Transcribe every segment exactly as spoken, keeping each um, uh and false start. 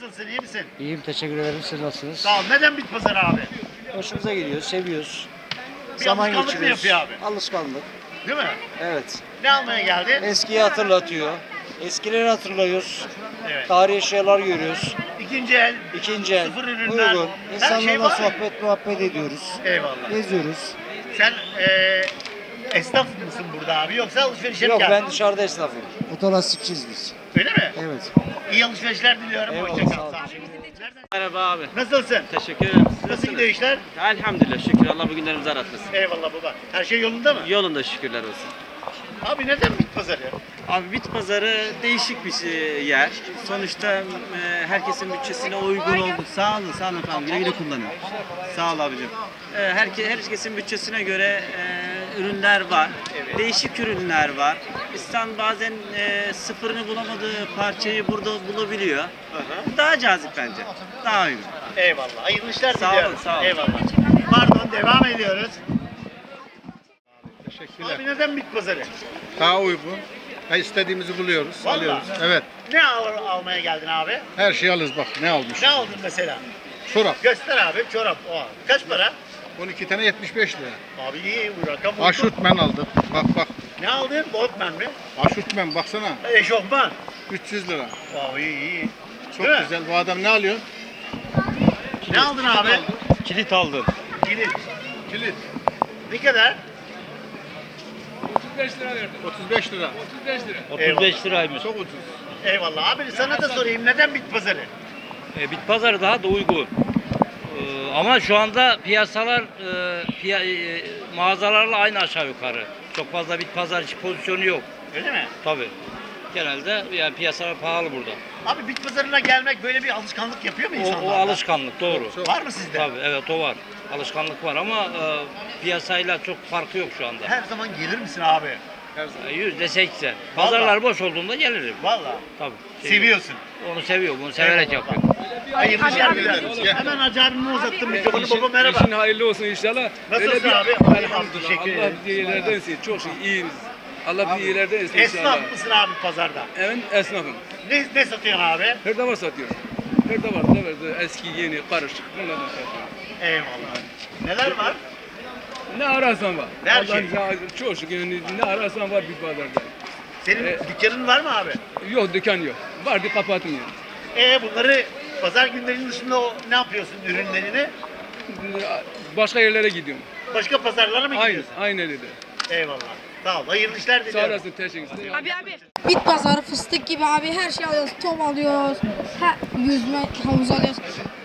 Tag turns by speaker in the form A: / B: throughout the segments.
A: Nasılsın, iyi misin?
B: İyiyim, teşekkür ederim. Siz nasılsınız?
A: Sağ ol. Neden bit pazarı abi?
B: Hoşumuza gidiyor, seviyoruz.
A: Bir alışkanlık mı yapıyor abi?
B: Alışkanlık.
A: Değil mi?
B: Evet.
A: Ne almaya geldin?
B: Eskiyi hatırlatıyor. Eskileri hatırlıyoruz.
A: Evet.
B: Tarihi şeyler görüyoruz.
A: İkinci el,
B: İkinci el,
A: sıfır ürünler,
B: uygun.
A: her şey
B: İnsanlarla
A: var.
B: sohbet muhabbet ediyoruz.
A: Eyvallah.
B: Geziyoruz.
A: Sen eee esnaf mısın burada abi yoksa alışverişe mi
B: Yok,
A: geldin?
B: ben dışarıda esnafım. Fotoğrafçıyız biz.
A: Öyle mi?
B: Evet.
A: İyi alışverişler diliyorum.
B: Eyvallah,
A: Hoşça
B: sağ
A: kal.
B: ol.
A: Sağ ol. Nereden-
C: Merhaba abi.
A: Nasılsın?
C: Teşekkür ederim. Siz
A: Nasıl gidiyor işler?
C: Elhamdülillah şükür. Allah bugünlerimizi aratmasın.
A: Eyvallah baba. Her şey yolunda mı?
C: Yolunda şükürler olsun.
A: Abi neden bit pazarı?
C: Abi bit pazarı değişik bir şey- yer. Sonuçta e, herkesin bütçesine uygun oldu. Sağ olun, sağ olun efendim. Güle güle kullanın. Sağ ol abicim. E, herke, herkesin bütçesine göre e, ürünler var. Değişik ürünler var. İnsan bazen e, sıfırını bulamadığı parçayı burada bulabiliyor. Daha cazip bence. Daha uygun.
A: Eyvallah. Hayırlı işler
C: Sağ
A: diliyorum.
C: olun, sağ olun.
A: Eyvallah. Pardon, devam ediyoruz.
D: Teşekkürler.
A: Abi neden bit pazarı?
D: Daha uygun. Ha, istediğimizi buluyoruz,
A: Vallahi.
D: alıyoruz. Evet.
A: Ne al- almaya geldin abi?
D: Her şeyi alırız bak ne almış.
A: Ne aldın mesela?
D: Çorap.
A: Göster abi, çorap. O. Kaç para?
D: on iki tane yetmiş beş lira.
A: Abi iyi, bu rakam uygun.
D: Aşurtmen aldım. Bak bak.
A: Ne aldın? Botman mi?
D: Aşurtmen baksana.
A: Eşofman.
D: üç yüz lira.
A: Abi iyi, iyi.
D: Çok
A: Değil mi?
D: güzel. Bu adam ne alıyor?
A: Ne aldın abi?
C: Kilit aldım.
A: Kilit.
D: Kilit.
A: Ne kadar?
D: otuz beş lira verdim. otuz beş lira.
C: otuz beş liraymış.
D: Çok ucuz.
A: Eyvallah. Abi sana da sorayım. Neden bit pazarı?
E: E, bit pazarı daha da uygun. E, ama şu anda piyasalar e, piya, e, mağazalarla aynı aşağı yukarı. Çok fazla bit pazar pozisyonu yok.
A: Öyle mi?
E: Tabii. Genelde yani piyasalar pahalı burada.
A: Abi bit pazarına gelmek böyle bir alışkanlık yapıyor mu
E: O,
A: insanlar?
E: o alışkanlık doğru.
D: Çok.
A: Var mı sizde?
E: Tabii evet o var. Alışkanlık var ama e, piyasayla çok farkı yok şu anda.
A: Her zaman gelir misin abi?
D: Her zaman.
E: E, Yüzde seksen. Pazarlar boş olduğunda gelirim.
A: Vallahi.
E: Tabii.
A: Seviyorsun.
E: Onu seviyorum. Bunu severek
A: Eyvallah.
E: yapıyorum.
A: Hayırlı işler
D: abi,
A: dilerim.
D: gel.
A: Hemen Hacı abime uzattım mikrofonu. Baba merhaba.
F: İşin hayırlı olsun inşallah.
A: Nasılsın
F: Öyle bir-
A: abi?
F: Elhamdülillah.
A: Teşekkür
F: Allah
A: ederim.
F: bizi iyilerden etsin. Çok şey, iyiyiz. Allah bizi iyilerden etsin inşallah.
A: Esnaf mısın abi pazarda?
F: Evet, esnafım.
A: Ne, ne satıyorsun abi?
F: Her davar satıyoruz. Her davar, davar, eski, yeni, karışık. Bunlardan satıyoruz.
A: Eyvallah. Neler var?
F: Ne ararsan var.
A: Her
F: Allah'ın
A: şey.
F: izniyle çok şükür yani ne ararsan var bir pazarda.
A: Senin
F: E-
A: dükkanın var mı abi?
F: Yok dükkan yok. Vardı kapattım yani.
A: E bunları pazar günlerinin dışında o, ne yapıyorsun ürünlerini?
F: Başka yerlere gidiyorum.
A: Başka pazarlara mı
F: Aynen,
A: gidiyorsun?
F: aynen öyle.
A: Eyvallah. Sağ ol. Hayırlı işler
F: Sağ
A: diliyorum.
F: olasın, teşekkür ederim.
G: Abi abi. Bit pazarı fıstık gibi abi her şey alıyoruz. Top alıyoruz. Her yüzme havuz alıyoruz.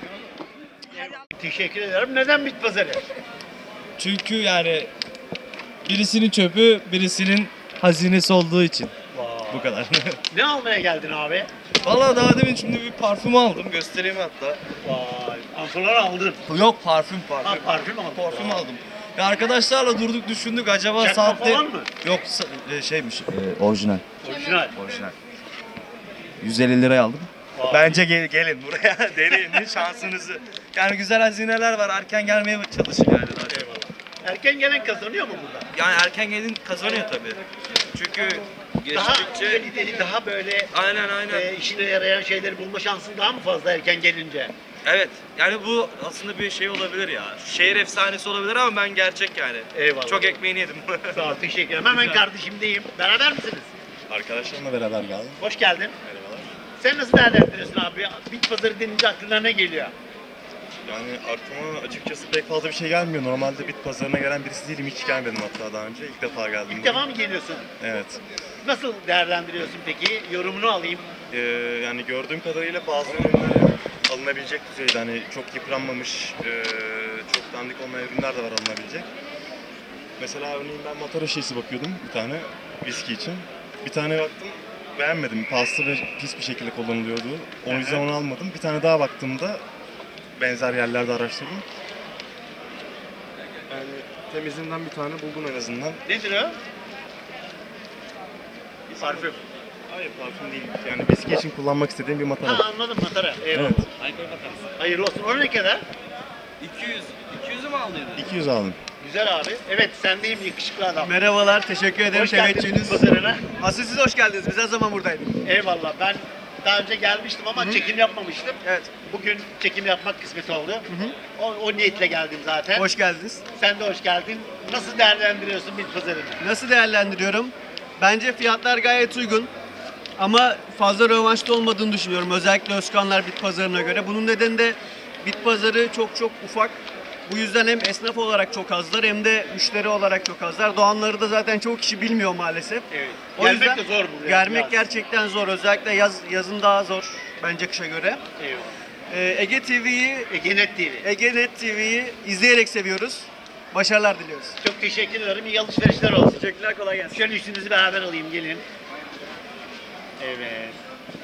A: Teşekkür ederim. Neden bit pazarı?
H: Çünkü yani birisinin çöpü birisinin hazinesi olduğu için. Bu kadar.
A: Ne almaya geldin abi?
H: Vallahi daha demin şimdi bir parfüm aldım. Göstereyim hatta.
A: Vay. Pantolon aldın.
H: Yok parfüm
A: Ha,
H: parfüm.
A: parfüm aldın.
H: Parfüm aldım. Ya arkadaşlarla durduk düşündük acaba
A: Çakma
H: saatte...
A: falan mı?
H: Yok sa- e, şeymiş. e, orijinal.
A: Orijinal.
H: Orijinal. yüz elli liraya aldım.
A: Vay.
H: Bence gel, gelin buraya deneyin şansınızı. Yani güzel hazineler var. Erken gelmeye çalışın yani daha çok.
A: Eyvallah. Erken gelen kazanıyor mu burada?
H: Yani erken gelin kazanıyor tabii. Çünkü
A: Daha
H: geçtikçe...
A: kaliteli, daha böyle
H: Aynen aynen.
A: e, işine yarayan şeyleri bulma şansın daha mı fazla erken gelince?
H: Evet. Yani bu aslında bir şey olabilir ya. Şehir efsanesi olabilir ama ben gerçek yani.
A: Eyvallah.
H: Çok ekmeğini yedim.
A: Sağ ol, teşekkür ederim. Hemen kardeşimdeyim. Beraber misiniz?
I: Arkadaşlarımla beraber geldim.
A: Hoş geldin.
I: Merhabalar.
A: Sen nasıl değerlendiriyorsun abi? Bit pazarı denince aklına ne geliyor?
I: Yani aklıma açıkçası pek fazla bir şey gelmiyor. Normalde bit pazarına gelen birisi değilim. Hiç gelmedim hatta daha önce. İlk defa geldim.
A: İlk
I: buraya.
A: defa mı geliyorsun?
I: Evet.
A: Nasıl değerlendiriyorsun peki? Yorumunu alayım.
I: Ee, yani gördüğüm kadarıyla bazı ürünler alınabilecek düzeyde. Hani çok yıpranmamış, ee, çok dandik olmayan ürünler de var alınabilecek. Mesela örneğin ben matara şişesi bakıyordum bir tane viski için. Bir tane baktım beğenmedim. Paslı ve pis bir şekilde kullanılıyordu. O yüzden onu almadım. Bir tane daha baktığımda benzer yerlerde araştırdım. Yani temizinden bir tane buldum en azından.
A: Nedir o? Parfüm.
I: Hayır parfüm değil. Yani viski için kullanmak istediğim bir matara.
A: Ha anladım matara. Eyvallah.
I: Evet.
A: Hayırlı olsun. O ne kadar?
C: iki yüz. iki yüzü mü aldın?
I: iki yüz aldım.
A: Güzel abi. Evet sendeyim yakışıklı adam.
H: Merhabalar, teşekkür ederim
A: Hoş geldin bit pazarına.
H: Asıl siz hoş geldiniz. Biz her zaman buradaydık.
A: Eyvallah. Ben Daha önce gelmiştim ama çekim yapmamıştım.
H: Evet.
A: Bugün çekim yapmak kısmet oldu. O, o niyetle geldim zaten.
H: Hoş geldiniz.
A: Sen de hoş geldin. Nasıl değerlendiriyorsun bit pazarını?
H: Nasıl değerlendiriyorum? Bence fiyatlar gayet uygun. Ama fazla rövanşta olmadığını düşünüyorum. Özellikle Özkanlar bit pazarına göre. Bunun nedeni de bit pazarı çok çok ufak. Bu yüzden hem esnaf olarak çok azlar hem de müşteri olarak çok azlar. Doğanları da zaten çok kişi bilmiyor maalesef.
A: Evet.
H: O
A: Gelmek
H: yüzden
A: de zor buraya
H: Gelmek
A: biraz.
H: gerçekten zor. Özellikle yaz, yazın daha zor bence kışa göre.
A: Eyvallah.
H: Ee, Ege T V'yi
A: Egenet T V.
H: Egenet T V'yi izleyerek seviyoruz. Başarılar diliyoruz.
A: Çok teşekkür ederim. İyi alışverişler olsun.
H: Teşekkürler, kolay gelsin.
A: Şöyle üstünüzü beraber alayım, gelin. Evet.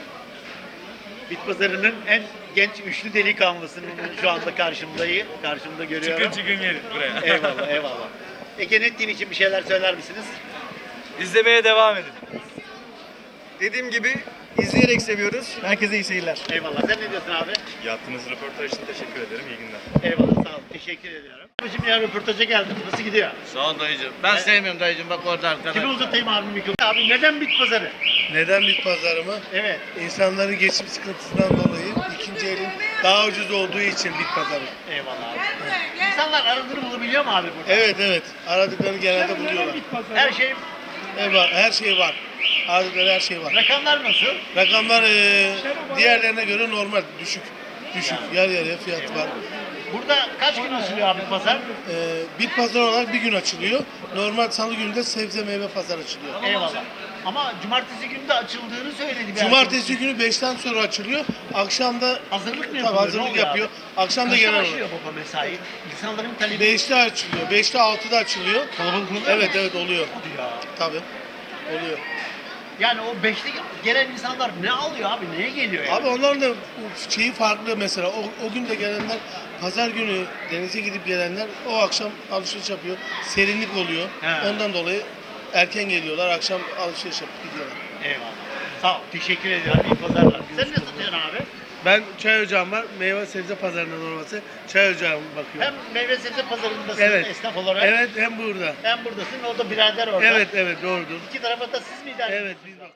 A: Bit pazarının en genç üçlü delikanlısının şu anda karşımdayım. Karşımda görüyorum.
H: çıkın gelin buraya.
A: Eyvallah, eyvallah. Egenet T V için bir şeyler söyler misiniz?
H: İzlemeye devam edin. Dediğim gibi izleyerek seviyoruz. Herkese iyi seyirler.
A: Eyvallah. Sen ne diyorsun abi?
I: Yaptığınız röportaj için teşekkür ederim. İyi günler.
A: Eyvallah, sağ ol. Teşekkür ediyorum. Şimdi ya röportaja geldim. Nasıl gidiyor?
D: Sağ ol dayıcım. Ben sevmiyorum dayıcım bak orada arkada.
A: Kimi uzatayım abi mikrofonu? Abi neden bit pazarı?
J: Neden bit pazarı mı?
A: Evet.
J: İnsanların geçim sıkıntısından dolayı ikinci elin daha ucuz olduğu için bit pazarı.
A: Eyvallah abi. İnsanlar aradığını bulabiliyor mu abi burada?
J: Evet evet. Aradıklarını genelde buluyorlar.
A: Her şey,
J: Evet, var, her şey var. Aradıkları her şey var.
A: rakamlar nasıl?
J: Rakamlar eee, diğerlerine göre normal, düşük. Düşük, yarı yarıya fiyat var.
A: Burada kaç gün açılıyor abi pazar?
J: Eee bit pazarı olarak bir gün açılıyor. Normal salı günü de sebze meyve pazarı açılıyor.
A: Eyvallah. Ama cumartesi günü de açıldığını söyledi. bir
J: Cumartesi günü beşten sonra açılıyor. Akşam da
A: arkadaş. Hazırlık mı
J: tabii
A: yapılıyor?
J: hazırlık
A: Ne oluyor
J: yapıyor.
A: abi?
J: Akşam da
A: Kaçta
J: genel olarak.
A: başlıyor baba mesai? İnsanların talebi
J: beşte açılıyor. beşte altıda açılıyor.
A: kalabalık oluyor.
J: Evet evet oluyor.
A: Ya.
J: Tabii. Oluyor.
A: Yani o beşte gelen insanlar ne alıyor abi? Neye geliyor yani?
J: Abi onların da şeyi farklı mesela. O, o gün de gelenler pazar günü denize gidip gelenler o akşam alışveriş yapıyor. Serinlik oluyor.
A: He.
J: Ondan dolayı erken geliyorlar. Akşam alışveriş yapıp gidiyorlar.
A: Eyvallah. Sağ ol. Teşekkür ediyorum. İyi pazarlar. Sen ne satıyorsun abi?
J: Ben çay ocağım var. Meyve sebze pazarından olması. Çay ocağım bakıyorum.
A: Hem meyve sebze pazarındasın
J: Evet.
A: esnaf olarak.
J: Evet hem burada.
A: Hem buradasın. O da birader orada.
J: Evet evet doğrudur.
A: İki tarafa da siz mi idare
J: Evet biz bak.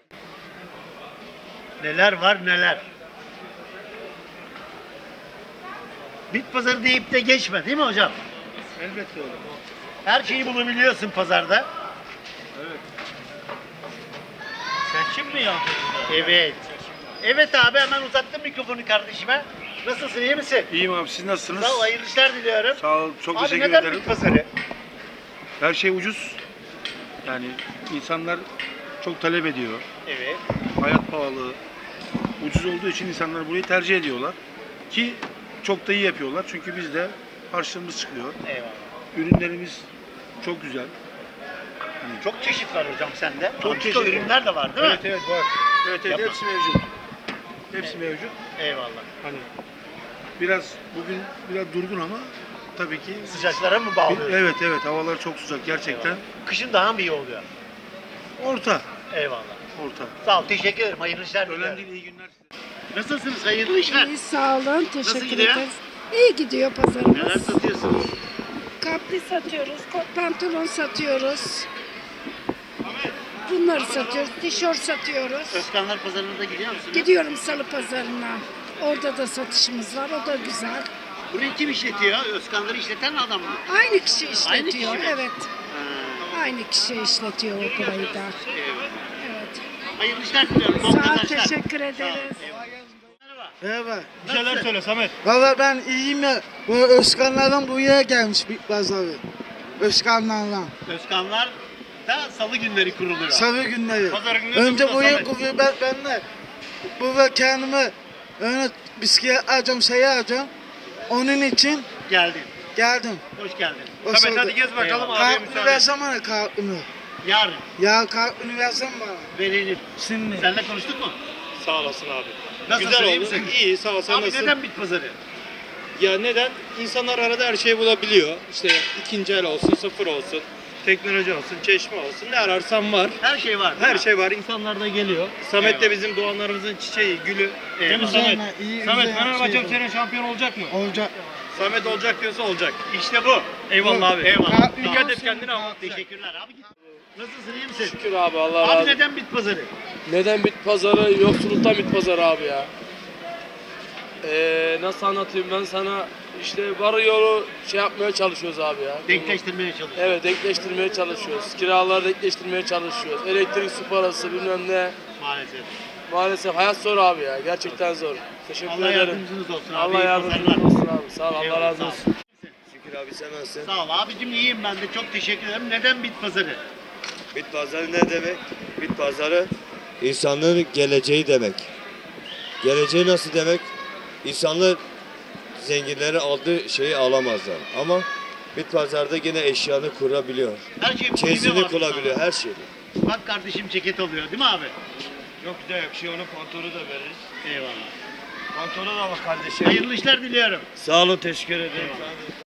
A: Neler var neler. Bit pazarı deyip de geçme değil mi hocam?
J: Elbette öyle.
A: Her şeyi bulabiliyorsun pazarda.
H: Seçim mi yapıyorsun?
A: Evet. Evet abi, hemen uzattım mikrofonu kardeşime. Nasılsın, iyi misin?
F: İyiyim abi siz nasılsınız?
A: Sağ ol, hayırlı işler diliyorum.
F: Sağ ol, çok
A: Abi
F: teşekkür
A: neden
F: ederim.
A: bit pazarı?
F: Her şey ucuz. Yani insanlar çok talep ediyor.
A: Evet.
F: Hayat pahalı. Ucuz olduğu için insanlar burayı tercih ediyorlar. Ki çok da iyi yapıyorlar. Çünkü bizde harçlığımız çıkıyor.
A: Eyvallah.
F: Ürünlerimiz çok güzel.
A: Çok çeşit var hocam sende.
F: Çok
A: Antika
F: çeşit.
A: ürünler de var değil mi?
F: Evet evet var. Evet evet
A: Yapma.
F: hepsi mevcut. Hepsi mevcut.
A: Eyvallah.
F: Hani biraz bugün biraz durgun ama tabii ki
A: Sıcaklara mı bağlıyorsun?
F: evet evet havalar çok sıcak gerçekten.
A: Kışın daha mı iyi oluyor?
F: Orta.
A: Eyvallah.
F: Orta.
A: Sağ ol, teşekkür ederim. Hayırlı işler
F: Önemli
A: diliyorum.
F: değil, iyi günler size.
A: Nasılsınız? Hayırlı işler.
K: İyi, sağ olun. Teşekkür
A: gidiyor?
K: ederiz. İyi gidiyor
A: Neler
K: pazarımız.
A: satıyorsunuz?
K: Kapri satıyoruz, kot pantolon satıyoruz. Bunları satıyoruz, tişört satıyoruz.
A: Özkanlar pazarına da gidiyor musunuz?
K: Gidiyorum salı pazarına. Orada da satışımız var, o da güzel.
A: Burayı kim işletiyor? Özkanları işleten adam mı?
K: Aynı kişi işletiyor,
A: Aynı kişi mi?
K: evet.
A: Ha,
K: Aynı kişi işletiyor o burayı da.
A: eyvallah.
K: Evet.
A: Hayırlı işler diliyorum. Bol
K: Sağ ol,
A: kazançlar.
K: teşekkür
A: Sağ ol,
K: ederiz.
A: eyvallah.
B: Merhaba.
A: Bir şeyler söyle
H: Samet.
B: Valla ben iyiyim ya. Bu Özkanlardan buraya gelmiş bit pazarı. Özkanlardan.
A: Özkanlar da salı günleri kuruluyor.
B: Salı günleri.
A: Pazar günleri de
B: Önce
A: burada
B: buraya
A: Samet.
B: kuruyor ben, ben de. Burada kendime öyle bisiklet alacağım, şey alacağım. Onun için
A: Geldin.
B: geldim.
A: Hoş geldin.
B: O
H: Samet hadi gez bakalım
A: Eyvallah.
H: abiye
B: Kartını
H: müsaade.
B: versem bana kartını.
A: Yarın
B: Ya kartını versem bana.
A: verilir.
B: Şimdi.
A: Seninle konuştuk mu?
H: Sağ olasın abi.
A: Nasılsın,
H: Güzel
A: iyi
H: oldu.
A: misin?
H: İyi sağ ol sen
A: Abi
H: nasılsın?
A: neden bit pazarı?
H: Ya neden? İnsanlar arada her şeyi bulabiliyor. İşte ikinci el olsun, sıfır olsun, teknoloji olsun, çeşme olsun. Ne ararsan var.
A: Her şey var.
H: Her şey var. İnsanlar da geliyor. Samet
A: Eyvallah.
H: de bizim doğanlarımızın çiçeği, gülü. Değil mi
A: Eyvallah.
H: Samet?
B: iyi,
H: Samet
B: güzel
H: Fenerbahçe
B: şey
H: bu sene şampiyon olacak mı?
B: Olacak.
H: Samet olacak diyorsa olacak.
A: İşte bu.
H: Eyvallah abi.
A: Eyvallah.
H: Dikkat et kendine ama.
A: Teşekkürler abi. Nasılsın, iyi misin?
H: Şükür abi Allah razı
A: Abi
H: olsun.
A: neden bit pazarı?
L: Neden bit pazarı? Yoksulluktan bit pazarı abi ya. Ee, nasıl anlatayım ben sana? İşte varı yolu şey yapmaya çalışıyoruz abi ya.
A: Denkleştirmeye çalışıyoruz.
L: Evet, denkleştirmeye çalışıyoruz. Kiraları denkleştirmeye çalışıyoruz. Elektrik, su parası bilmem ne.
A: Maalesef.
L: Maalesef hayat zor abi ya. Gerçekten zor. Teşekkür
A: Allah
L: ederim.
A: yardımcınız olsun abi.
L: Allah
A: İyi
L: yardımcınız
A: pazarlar.
L: olsun abi. Sağ ol. Allah
A: Eyvallah,
L: razı
A: sağ ol.
L: olsun.
M: Şükür abi sen nasılsın?
A: Sağ ol abicim, iyiyim ben de, çok teşekkür ederim. Neden bit pazarı?
M: Bit pazarı ne demek? Bit pazarı insanlığın geleceği demek. Geleceği nasıl demek? İnsanlar zenginleri aldığı şeyi alamazlar. Ama bit pazarda yine eşyanı kurabiliyor.
A: Her şeyin
M: Çeyizini
A: primi var
M: kurabiliyor,
A: sana.
M: her şeyi.
A: Bak kardeşim, ceket oluyor değil mi abi?
M: Yok da yok şey onun pantolonu da veririz.
A: Eyvallah.
M: Pantolonu da bak kardeşim.
A: Hayırlı işler diliyorum.
M: Sağ olun, teşekkür ederim.